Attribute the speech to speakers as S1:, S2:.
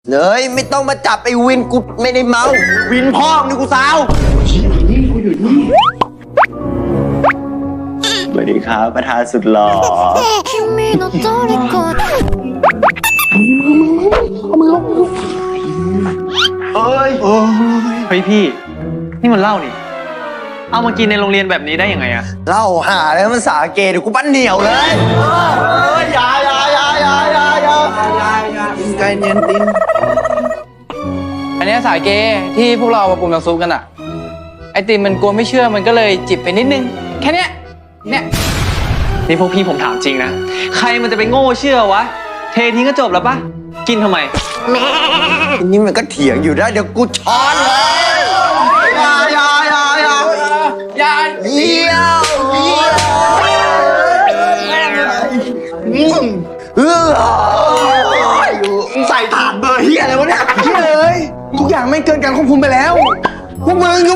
S1: เลยไม่ต้องมาจับไอ้วินกูไม่ได้เมาวินพ่อมึงนี่กูสาวสวัสดีครับประธานสุดหล่อเ
S2: ฮ้ยพี่นี่มันเหล้านี่เอามากินในโรงเรียนแบบนี้ได้ยังไงอะ
S1: เล่าหาแล้วมันสาเกเดี๋ยวกูปั้นเหนียวเลยอย่าไก่เนียนติน
S3: อันนี้สาเกที่พวกเรามาปรุงน้ำซุปกันอะไอติมมันกลัวไม่เชื่อมันก็เลยจิบไปนิดนึงแค่เนี้ย
S2: นี่พวกพี่ผมถามจริงนะใครมันจะไปโง่เชื่อวะเททิ้งก็จบแล้วปะกินทำไม
S1: ทีนี้มันก็เถียงอยู่ได้เดี๋ยวกูช้อนเลยอย่าเยี่ยวใส่ถาดเบอร์เฮียอะไรวะเนี่ยเฮียเลยทุกอย่างไม่เกินการควบคุมไปแล้วพวกมึง